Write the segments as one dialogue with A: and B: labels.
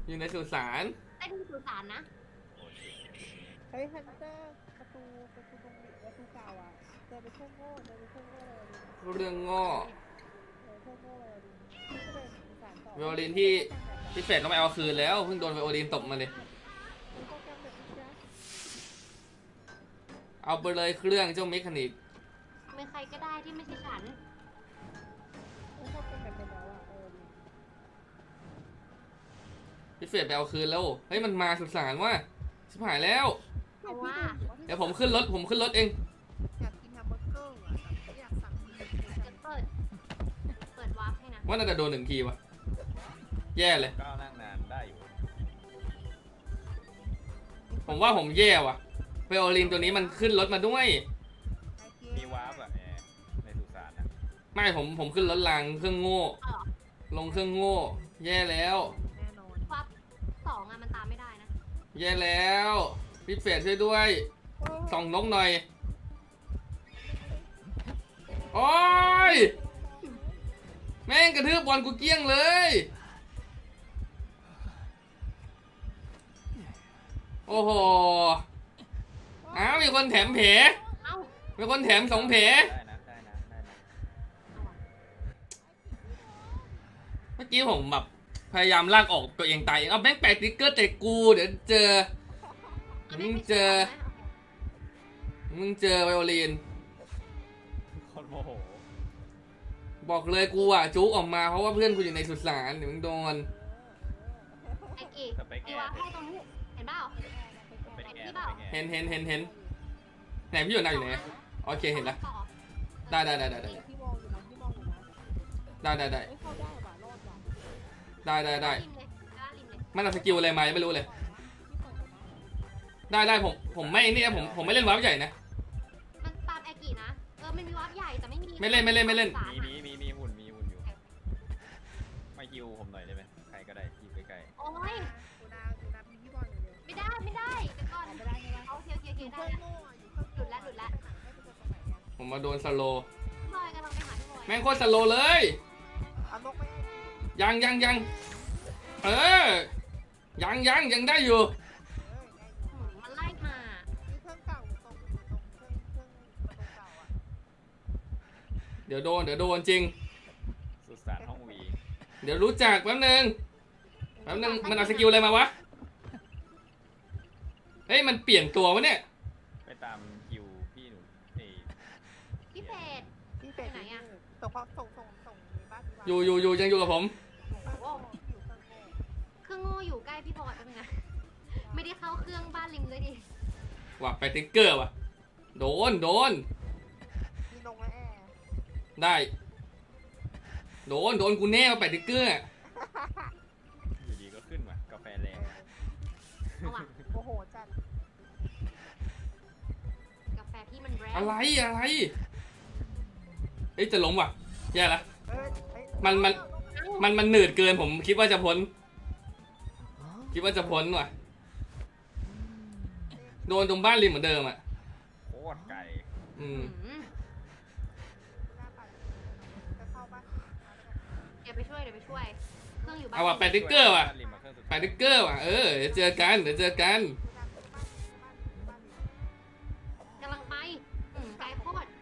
A: อยู่ในสุสาน
B: ใต้ดินสุสานนะ
C: เฮ้ยฮันเตอร์ประตูตรงนี้ประตูเก่าอ่ะเจอไปเครื่องโง่เลยดิ
A: เรื่องง้อ
C: เครื่องโง่เลยดิก็เป็นสารต่อ
A: ไวโอลินที่พิเศษต้องไปเอาคืนแล้วเพิ่งโดนไวโอลินตบมาเลย
C: โปรแกรมแบบนี้นะ
A: เอาไปเลยเครื่องเจ้าเมคานิก
B: เป็นใครก็ได้ที่ไม่ใช่ฉัน
C: โปรแกรมแบบเป็นแล้วอ่ะ
A: พิเศษไปเอาคืนแล้วเฮ้ยมันมาสุสานว่ะชิบหายแล้ว
B: เพราะว่า
A: เดี๋ยวผมขึ้นรถเอง
C: อยากกินแฮมเบอร์เกอร์อ่ะอยากสั่ง
B: จะเปิดวาร์ปให้นะ
A: ว่าน่าจะโดน1 ทีวะแย่เลย
D: ก้าวนั่งนานได้อยู่
A: ผมว่าผมแย่ว่ะไวโอลินตัวนี้มันขึ้นรถมาด้วย
D: มีวาร์ปอะในสุสานอะ
A: ไม่ผมขึ้นรถรางเครื่องโง่ลงเครื่องโง่แย่แล้ว
C: แน่นอน
B: วาร์ป2อะมันตามไม่ได้นะ
A: แย่แล้วพิเศษช่วยด้วยส่องนกหน่อยโอ้ยแม่งกระทืบบอลกูเกลี้ยงเลยโอ้โหอ้าวมีคนแถมแผล
B: เอ้า
A: มีคนแถม2 แผล
D: ได้นะ
A: เมื่อกี้ผมแบบพยายามลากออกตัวเองตายเองเอาแม่งแปะติ๊กเกอร์แต่กูเดี๋ยวเจอมึงเจอไวโอลิน
D: คนโมโห
A: บอกเลยกูอ่ะจุกออกมาเพราะว่าเพื่อนกูอยู่ในสุสานเดี๋ยวมึงโดน
B: ไอ้กี่
D: สเปคแอ
B: มีวาร์
D: ร์
B: ปให้ตรงนี้เห็นเปล่า
D: สเปคแอร์
B: นี่เปล่า
A: เห็นไหนพี่อยู่ไหนอยู่ไหนโอเคเห็นแล้วได้
C: ที่มองอยู่นะที่มองอยู่นะ
A: ได้
C: ไม่เข้าได้ว่ะรอดว่ะ
A: ได้
B: ริมเลยริมเลย
A: มันเอาสกิลอะไรมาไม่รู้เลยได้ผมไม่นี่นะผมไม่เล่นวาร์ปใหญ่นะ
B: มันตามไอ้กี่นะมันมีวาร์ปใหญ่แต่ไม่มี
A: ไม่เล่น
D: มีหุ่นอยู่ไม่ฮิวผมหน่อยได้ไหมใครก็ได้ที่ใกล้
B: โอ้ย
C: อยู่นะพี่บอลอยู่เลย
B: ไม่ได้เดี๋ยวก่อน
C: ไม่ได้
B: โอเคได้
C: เครื่องโง่อยู่เครื่อง
B: หลุดแล้ว
C: ให้ไปเจอตรงไหนอ่ะ
A: ผมมาโดนสโล
B: พี่บอยกำลังไปหาพี่บอย
A: แม่งโคตรสโลเลย
C: เอานกไม่ให้
A: ยังเออยังได้อยู่
B: มันไล่มา
C: มีเครื่องเก่าอยู่ตรงเครื่องประตูเก่าอ่ะ
A: เดี๋ยวโดนจริง
D: ๆสุสานห้องวี
A: เดี๋ยวรู้จักแป๊บนึงมันเอาสกิลอะไรมาวะเฮ้ยมันเปลี่ยนตัววะเนี่ย
D: ไปตามคิวพี่หนู
B: พี่เฟด
C: พี่เป็ดไหนอ่ะส่งความส่งในบ้าน
A: อยู่ยังอยู่กับผม
B: เครื่องโง่อยู่ใกล้พี่บอยแป๊บนึงนะไม่ได้เข้าเครื่องบ้านริมเลยดิ
A: ว่ะไปติ๊กเกอร์ว่ะโดน
C: มีนงและแอร์
A: ได้โดนกูแน่มาไปติ๊กเกอร์
D: อยู่ดีก็ขึ้นมากาแฟแรง
B: เอาว่ะ
C: โอ้โหจัด
B: กาแฟพี่มันแรง
A: อะไรเฮ้ยจะล้มว่ะแย่ละมันหนืดเกินผมคิดว่าจะพ้นว่ะโดนตรงบ้านริมเหมือนเดิมอ่ะ
D: โคตรไก่
B: เดี๋ยวไปช่วยเครื่องอยู่บ้าน
A: เอาว่ะไปติ๊กเกอร์ว่ะเออเดี๋ยวเจอกัน
B: กำลังไปไกลโคตร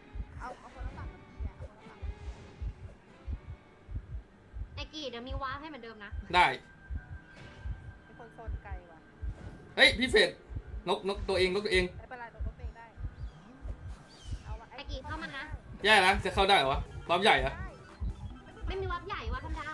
B: ไอ้กี่เดี๋ยวมีวาร์ปให้เหมือนเดิมนะ
A: ได้
C: เป็นคนโซนไกลว่ะ
A: เฮ้ยพี่เฟดนกตัวเอง
C: ไม่เป็นไรตัวเองได้
B: ไอ้กี่เข้ามานะ
A: แย่แล้วจะเข้าได้เหรอวะรอบใหญ่เหรอ
B: ไม่มีวาร์ปใหญ่วาร์ปธรรมดา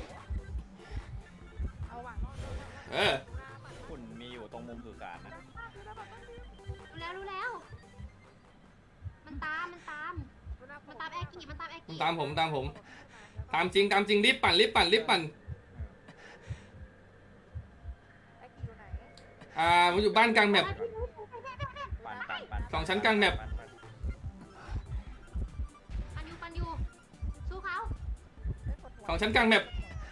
C: เอาว่ะ
A: เออ
D: หุ่นมีอยู่ตรงมุมสุสานนะ
B: รู้แล้วมันตามไอ้กี่
A: ตามผมตามจริงรีบปั่น
C: ไอ้กี่อยู่ไหน
A: ผมอยู่บ้านกลางแมป
D: ปั่น
A: 2 ชั้นกลางแมป
B: ปันยูสู้เขา
A: 2 ชั้นกลางแมป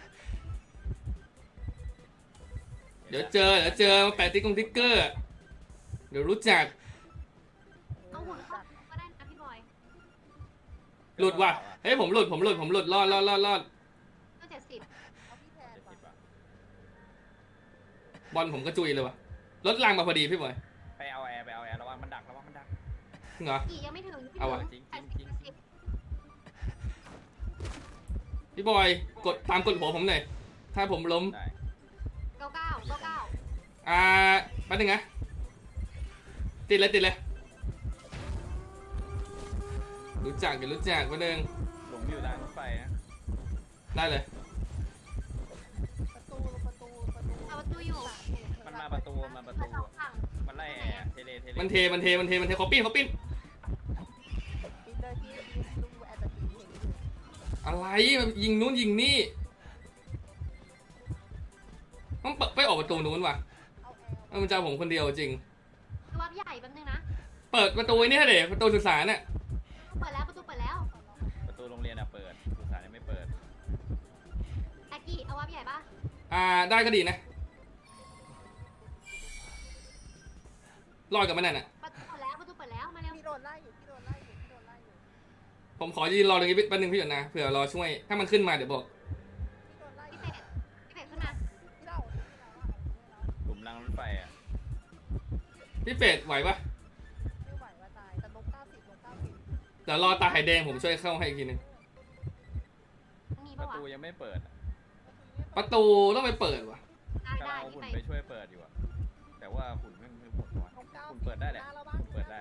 A: เดี๋ยวเจอมาแปะติ๊กเกอร์เดี๋ยวรู้จัก
B: เอาหุ่นเข้าก็ได้นะพี่บอย
A: หลุดว่ะเฮ้ยผมหลุดรอด
B: ก็70
C: เ
A: บอลผมก็จุยเลยวะรถรางมาพอดีพี่บอย
D: ไปเอาแอร์ระวังมันดัก
A: เหรอ
B: กี่ยังไม่ถึง
A: เอาวะ
D: จริง
A: พี่บอยกดตามกดหัวผมหน่อยถ้าผมล้ม
D: ได้
B: เก้าเก้าเก้าเก้า
A: แป๊บนึงนะติดเลยรู้จักแป๊บนึง
D: หลงอยู่ทางรถไฟนะ
A: ได้เลย
C: ประตู
B: เอาประตูอยู่
D: มันมาประตู
B: สองฝั่ง
D: มันไล่แอร์เทเล
A: มันเทเขาปิ้น
C: ปีนเลยพี่ลุงแอบแบบนี้เห็นอยู่
A: อะไรมันยิงนู้นยิงนี่ต้องเปิดไปออกประตูนู้นว่ะ
C: เอาแอร์
A: มันจะเอาผมคนเดียวจริง
B: วับใหญ่แป๊บนึงนะ
A: เปิดประตูไอ้นี่เดี๋ยวประตูสุสานน่ะ
B: เปิดแล้วประตูเปิดแล้ว
D: ประตูโรงเรียนอะเปิดสุสานยังไม่เปิด
B: อากี้เอาวับใหญ่ปะ
A: ได้ก็ดีนะรอดกับมันน่ะ
B: ประตูเปิดแล้วมาเร็ว
C: พี่โดนไล่อยู่
A: ผมขอยืนรอตรงนี้แป๊บนึงพี่หยดนะเผื่อรอช่วยถ้ามันขึ้นมาเดี๋ยวบอก
C: พี่โดนไล่
B: พี่เป็ดขึ้นมา
C: พี่เล่า
D: หลุมรางรถไฟอะ
A: พี่เฟดไหวปะ
C: ไม่ไหวว่าตายแต่ลง90
A: เดี๋ยวรอตาไข่แดงผมช่วยเข้าให้อีกทีนึง
B: มี
D: ป
B: ปะ
D: ระ
B: วะ
D: ตูยังไม่เปิดอะ
A: ประตูต้องไปเปิดว่ะ
B: ได้
D: กำลังเอา
B: พี่
D: หุ่น
B: ไป
D: ไปช่วยเปิดอยู่อะแต่ว่าหุ่นไม่หมดวะ
C: ลง90
D: หุ่นเปิดได้แหละเปิดได้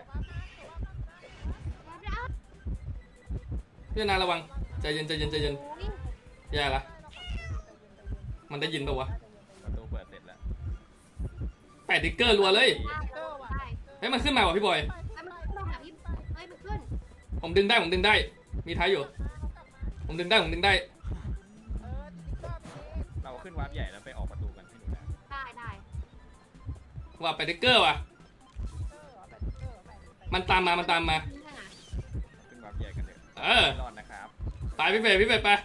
A: พี่นาระวังใจเย็น
B: อุ้ย
A: แย่ละมันได้ยินปะวะ
D: ประตูเปิดเสร็จแล้ว
A: แปะติ๊กเกอร์รัวเลย
B: ได้
A: เฮ้ยมันขึ้นมาว่ะพี่บอย
B: มันขึ้นลงหาพี่เฮ้ยมันขึ้น
A: ผมดึงได้มีท้ายอยู่ ผมดึงได้
D: เราขึ้นวาร์ปใหญ่แล้วไปออกประตูกันให้ดูนะ
B: ได้
A: ว่าแปะติ๊กเกอร์ว่ะมันตามมา
B: นี่ไง
D: ขึ้นวาร์ปใหญ่กันเถอะ
A: เออ
D: ไม่รอดนะครับ
A: ไปพี่เฟดไป
B: บ๊ายบาย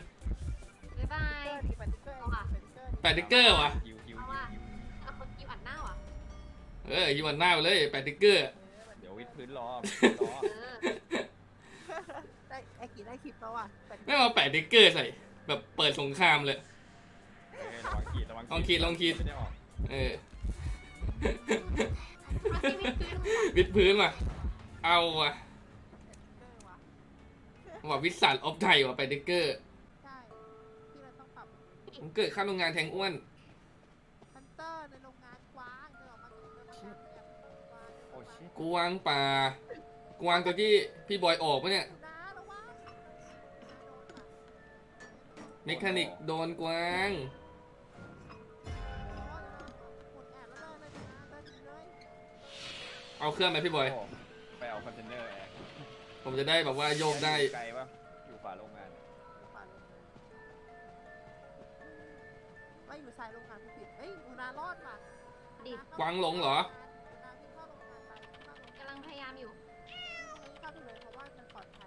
A: แปะติ๊กเกอร์ว่ะ
D: ฮิว
B: เอาคนกิวอัดหน้าว่ะ
A: ยิงวันหน้าไปเลยแปะติ๊กเกอร์
D: เดี๋ยววิดพื้นรอ
C: ได้ไอ้กี่ได้คลิปแล้วอ่ะ
A: ไม่มาแปะติ๊กเกอร์ใส่แบบเปิดสงครามเลย
D: ระวังขีด
A: ลองขีด
D: ไม่ได้ออก
A: วิดพื้นว่ะเอาว่ะว่าวิสันออฟไทยว่ะแปะติ๊กเกอร์
C: ใช่ที่เราต้องปรับ
A: ผมเกิดข้ามโรงงานแทงอ้วน
C: ฮันเตอร์ในโรงงานกว้างเดินออกมาจากโรงงานแบบกว้าง
D: โอ้ชิ
A: กวางป่ากวางตัวที่พี่บอยออกปะเนี่ย
C: นะระวัง
A: เมคานิกโดนกวาง
C: หมดแอบแล้วเลยนะเดินเลย
A: เอาเครื่องไหมพี่บอย
D: ไปเอาคอนเทนเนอร์แอร์
A: ผมจะได้แบบว่าโยกได้
D: ไกลปะอยู่ฝาโรงงาน
C: ไม่อยู่สายโรงงานผู้ผิดเอ้ยอูนารอดว่ะ
B: ดิ
A: กวางหลงเหรอ
C: อูนาวิ่งเข้าโรงงานไปเข้าโรงงาน
B: กำลังพยายามอยู่
C: เข้าไปเลยเพราะว่ามันปลอดภัย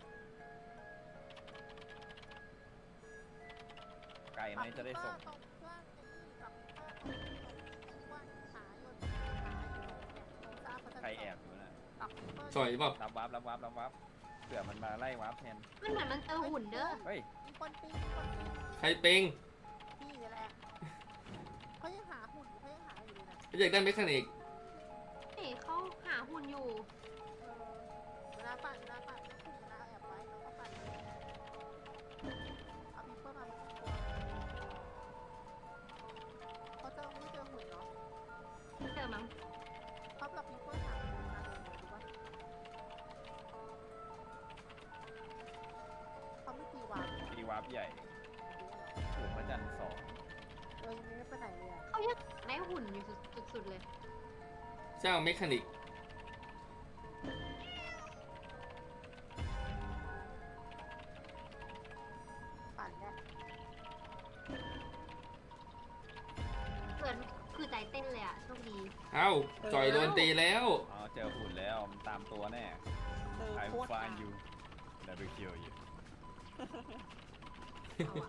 D: ไกลไหมจะได้ส่ง
C: ตรงเครื่องกับเครื่องว่าหายนหาย
D: ใครแอบอยู่นะ
A: สวยเปล่า
D: รับวาร์ปเผื่อมันมาไล่วาร์ปแทน
B: มันเหมือนมันเจอหุ่นเด้อ
D: เฮ้ย
C: มีคนปีน
A: ใครเป็ง
C: พี่นี่แหละเขายังหาหุ่นเขายังหาอยู่เลยนะ
A: อยากได้เมคานิก
B: เฮ้ยเขาหาหุ่นอยู่
C: เวลาปั่นแล้วคุณเวลาแอบไว้เราก็ปั่นเลยเอาพีเพิ่มมาเป็นตัวเขาจะไม่เจอหุ่นเนาะ
B: เจอมั้ง
C: เขาแบบพีเพิ่มหาหุ่นมาเลยดูว่าเขาไม่ตีวาง
D: ตีวาร์ปใหญ่ถูกพระจันทร์2
C: ยังไม่ไปไหนเลยอ่ะ
B: เขายังได้หุ่นอยู่สุดๆเลย
A: เจ้าเมคานิก
C: ปั่นแหละ
B: เกิดคือใจเต้นเลยอ่ะโชคดี
A: เอ้าจอยโดนตีแล้ว
D: อ๋อเจอหุ่นแล้วมันตามตัวแน่ I
C: โค
D: will
C: ตร
D: find you never kill you
B: เอาอ่ะ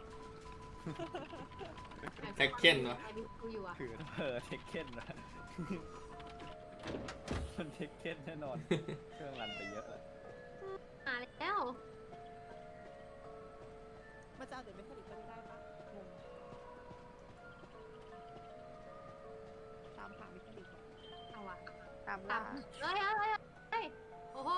A: แท็กเก้นวะ
B: ไอ้บิ๊กกูอยู่อ่ะ
D: คือเทคเก้นนะ มันเทคเก้นแน่นอน เครื่องรันไปเยอะเลย
B: มาแล้ว
C: มันจะเอาเดี๋ยวไม่ผลิตก็ไม่ได้ปะงงามล่า
B: เฮ้ยเฮ้ยโอ้โห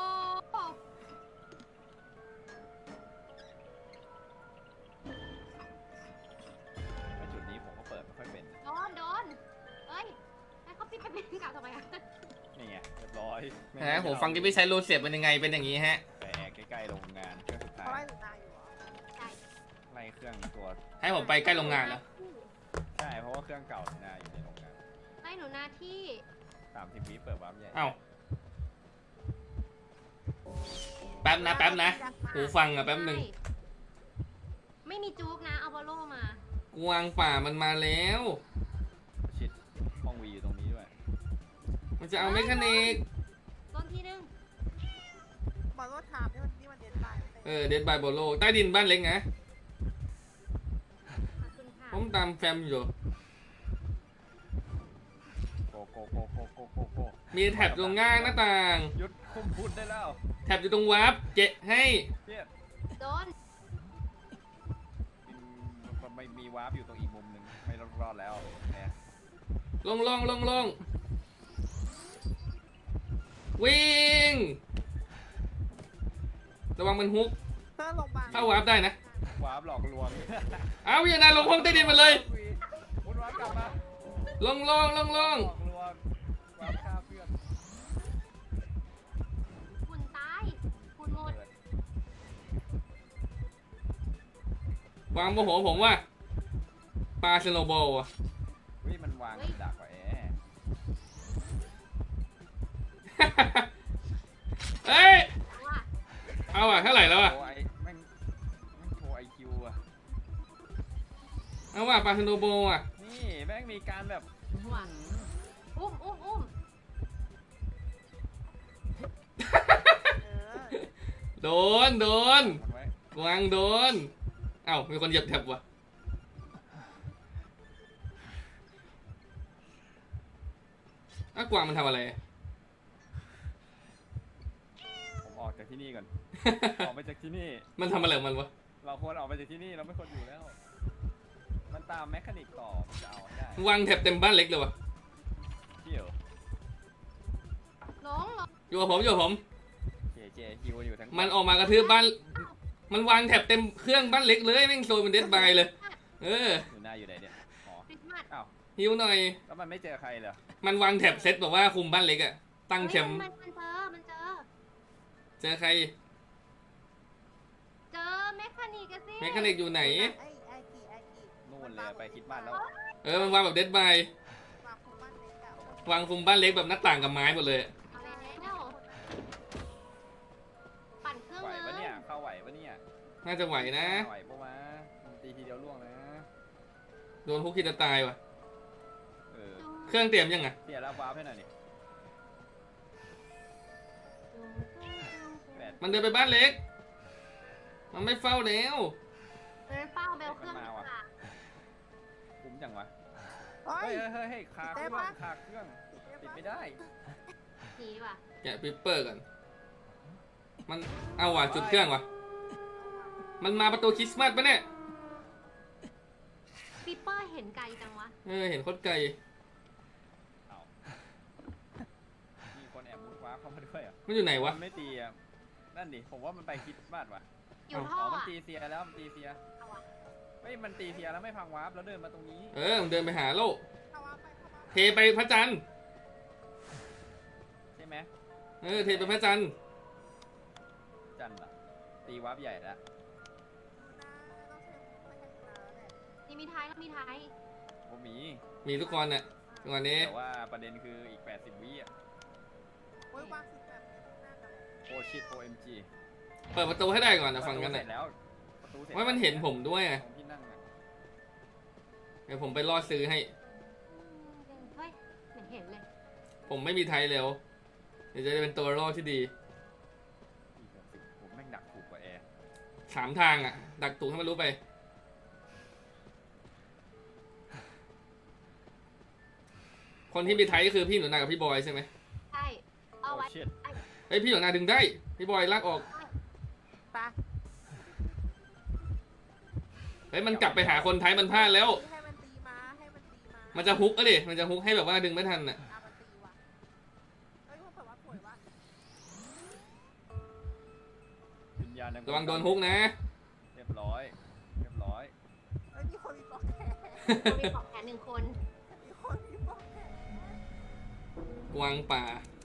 D: แล้วจุดนี้ผมก็เปิดไม่ค่อยเป็น
B: โดนเฮ้ยให้เขาปิดไปเป็นกับทำไมอะ
D: นี่ไงเรียบร้อย
A: ฮะผมฟังที่พี่ใช้รูเสียบเป็นยังไงเป็นอย่างนี้ฮะ
D: ไปแอกใกล้ๆโรงงานเครื่องสุดท้า
C: เขาไล่
D: ย
C: หนูนาอยู่เหรอ
B: ใช่
D: ไล่เครื่องตัว
A: ให้ผมไปใกล้โรงงานแล้ว
D: ใช่เพราะว่าเครื่องเก่าหนาอยู่ในโรงงาน
B: ให้หนูนาที่
D: 30 วิเปิดวาร์ปใหญ่
A: เอ้าแป๊บนะหูฟังอะแป๊บหนึ่ง
B: ใช่ไม่มีจุกนะเอาบอลโลมาก
A: วางป่ามันมาแล้ว
D: ชิดห้องวีอยู่ตรงนี้ด้วย
A: มันจะเอาเมคานิก
B: ต้นที่หนึ่ง
C: บอลโลถามนี่มันเด็ดไป
A: เดดบายโบโลใต้ดินบ้านเล็กนะ
B: ขอบคุณค่ะ
A: ผมตามแฟมอยู่
D: โกโกโกโกโกโกโก
A: มีแท็บตรงง่างหน้าต่าง
D: หยุดคุมพูดได้แล้ว
A: แท็บอยู่ตรงวาร์ปเกะให้
D: เพี้ย
B: โดน
D: มันไม่มีวาร์ปอยู่ตรงอีกมุมหนึ่งไม่รอดแล้วแหม
A: ลงวิ่ง ระวังมันฮุก
C: เพื่อนโรงพยาบาล
A: เข้าวาร์ปได้นะ
D: วาร์ปหลอกลวง
A: เอาอย่านาลงห้องใต้ดินมาเลย
D: มุดวาร์ปกลับมา
A: ลง
D: หลอกลวงวาร์ปฆ่าเพื่อน
B: หุ่นตายหุ่นหมด
A: วางโมโหผมว่าปลาสโนว์บอลอะ
D: วิมันวางดักไว้แอ
A: เอ้ย
B: ว่า
A: เอาอะเท่าไหร่แล้วอะ
D: โอ้ยแม่งโชว์ IQ อ่ะ
A: เอาว่าปลาสโนว์บอลอะ
D: นี่แม่งมีการแบบ
B: ว่าอุ้ม
C: เออ
A: โดน
D: มันไว้
A: กวางโดน เอ้ามีคนเหยียบแท็บว่ะอ้าวกวางมันทำอะไร
D: ผมออกจากที่นี่ก่อน ออกไปจากที่นี่
A: มันทำอะไรของมันวะ
D: เราควรออกไปจากที่นี่เราไม่ควรอยู่แล้ว มันตามแมคานิกต่อมันจะเอาให้ได้
A: วางแท็บเต็มบ้านเล็กเลยวะ
D: เที่ยว
B: หลง
A: อยู่กับผม
D: เจฮิวอยู่ทั้ง
A: มันออกมากระทืบบ้าน มันวางแท็บเต็มเครื่องบ้านเล็กเลยแม่งโซนเป็นเดดบายเลย
D: อยู่หน้าอยู่ไหนเนี่ย อ๋อ
B: คริสต์มาส
D: อ้าว
A: หิวหน่อย
D: แล้วมันไม่เจอใครเหรอ
A: มันวางแท็บเซตแบบว่าคุมบ้านเล็กอะตั้งเข็ม
B: มันเจอ
A: เจอใคร
B: เจอแมคคานิกอะสิ
A: เมคานิกอยู่ไหน
C: ไอ้กี
D: นู่นเลยไปคิดบ้านแล้ว
A: มันวางแบบเดดบาย
C: วางคุมบ้านเล็กอะ
A: วางคุมบ้านเล็กแบบหน้าต่างกับไม้หมดเลย
B: เอาแล้วปั่นเครื่อง
D: ไหว
B: เล
D: ปะ
B: ย
D: เนี่ย เข้าไหวปะเนี่ย
A: น่าจะไหวนะ
D: ไหวปะวะมันตีทีเดียวล่วงนะ
A: โดนฮุกคิดจะตายว่ะ
D: เออ
A: เครื่องเตรียมยังไง
D: เสียแล้ววาร์ปให้หน่อยนี่แปด
A: มันเดินไปบ้านเล็ก มันไม่เฝ้าแล้ว
B: เดินเป้าเบลเครื่องดีกว่า
D: คุ้มจังวะ
C: เฮ้ย
D: เฮ้ยขาเครื่องขาเครื่องปิดไม่ได้
B: หนีดีกว่า
A: แกะปิปเปอร์ก่อน มันเอาว่ะจุดเครื่องว่ะ มันมาประตูคริสต์มาสปะเนี่ย
B: ปิปเปอร์เห็นไกลจังวะ
A: เห็นโคตรไกล
D: เอามีคนแอบมุดวาร์ปเข้ามาด้วยอ่ะ
A: มันอยู่ไหนวะ
D: มันไม่ตีอ่ะ นั่นดิ ผมว่ามันไปคิดบ้านวะ
B: อยู่ท่อ
D: มัน
B: อะ
D: ตีเซียแล้วมันตีเซีย
B: เอาอะ
D: เฮ้ยมันตีเซียแล้วไม่พังวาร์ปแล้วเดินมาตรงนี้
A: มันเดินไปหาโลก
C: เข้ามาไป
A: เทไปพระจันทร์
D: ใช่ไหม
A: เทไปพระจันทร์
D: จันเหรอตีวาร์ปใหญ่แล้ว
B: นี่มีท้ายแล้วมีท้าย
D: โอ้มี
A: มีทุกคนน่ะจังหวะนี้
D: แต่ว่าประเด็นคืออีก 80 วิอ่ะ
C: โอ้ยวางสิบแบบนี้น่าจะเลย
D: โอชิต OMG
A: เปิดประตูให้ได้ก่อนนะฝั่งกัน
D: เสร็
A: น่ะ
D: จแล้วประตูเสร็จ
A: ว่ามันเห็นผมด้วยไง
D: ของที่นั่งอ่ะ
A: เดี๋ยวผมไปรอซื้อให้
B: เฮ้ยเหมือนเห็นเลย
A: ผมไม่มีไทยแล้ว เดี๋ยวจะได้เป็นตัวรอดที่ดี
D: อีก60ผมแม่งดักถูกกว่าแอร์
A: 3 ทางอ่ะ ดักตุกให้มันรู้ไป คนที่มีไทยก็คือพี่หนูนากับพี่บอยใช่ไหม
B: ใช่เอาไว้
D: โอ้ชิต
A: เฮ้ยพี่หนูนาดึงได้ พี่บอยลากออก
C: ไป
A: เฮ้ยมันกลับไปหาคนไทยมันพลาดแล้ว
C: ให้มันตีมาให้มันตีมา
A: มันจะฮุกอะดิมันจะฮุกให้แบบว่าดึงไม่ทันอ่ะ
C: มันตีว่ะเฮ้ย
D: การ
A: ระวังโดนฮุกนะ
D: เรียบร้อยเรียบร้อย
C: เอ้ยมีคนมีปลอกแขน
B: มีปลอกแขน1 คน
C: มีคนมีปลอกแขน
A: กวางป่า
C: เ